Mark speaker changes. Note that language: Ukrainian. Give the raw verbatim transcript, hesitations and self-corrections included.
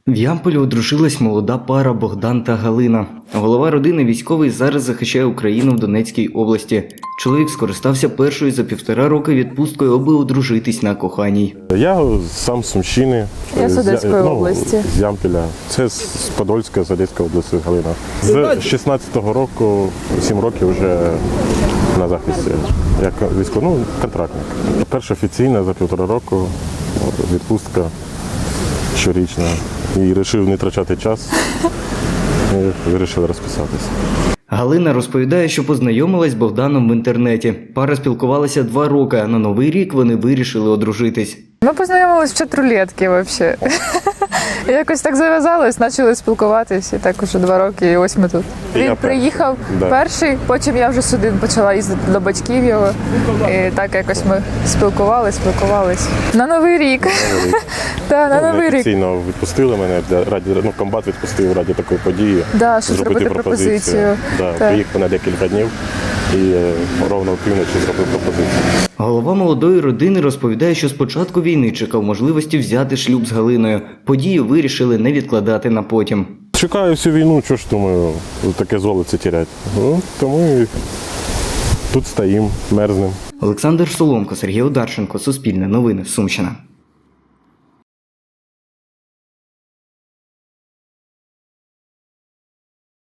Speaker 1: В Ямполі одружилась молода пара Богдан та Галина. Голова родини військовий зараз захищає Україну в Донецькій області. Чоловік скористався першою за півтора роки відпусткою, аби одружитись на коханій.
Speaker 2: Я сам з Сумщини.
Speaker 3: Я з Одеської
Speaker 2: ну,
Speaker 3: області.
Speaker 2: З Ямпіля. Це з Подольська, з Одеської області Галина. З шістнадцятого року, сім років вже на захисті. Як військовий, ну, контрактник. Перша офіційна за півтора року відпустка щорічна. І вирішив не втрачати час. І вирішили розписатися.
Speaker 1: Галина розповідає, що познайомилась з Богданом в інтернеті. Пара спілкувалася два роки, а на Новий рік вони вирішили одружитись.
Speaker 3: Ми познайомились в чат-рулетки взагалі. Якось так зав'язалось, почали спілкуватись, і так уже два роки, і ось ми тут.
Speaker 2: І я
Speaker 3: Він приїхав
Speaker 2: да.
Speaker 3: перший, потім я вже сюди почала їздити до батьків його. І так якось ми спілкувались, спілкувались. На Новий рік. Так, на Новий рік.
Speaker 2: Офіційно відпустили мене, для, раді, ну, комбат відпустив раді такої події.
Speaker 3: Да, щоб зробити пропозицію.
Speaker 2: Да,
Speaker 3: Так.
Speaker 2: приїхав на декілька днів і е, ровно в півночі зробив пропозицію.
Speaker 1: Голова молодої родини розповідає, що з початку війни чекав можливості взяти шлюб з Галиною. Подію вирішили не відкладати на потім.
Speaker 2: Чекаю всю війну, що ж думаю, таке золоце тірять. Ну, тому і тут стоїм, мерзнем.
Speaker 1: Олександр Соломко, Сергій Одарченко, Суспільне новини, Сумщина.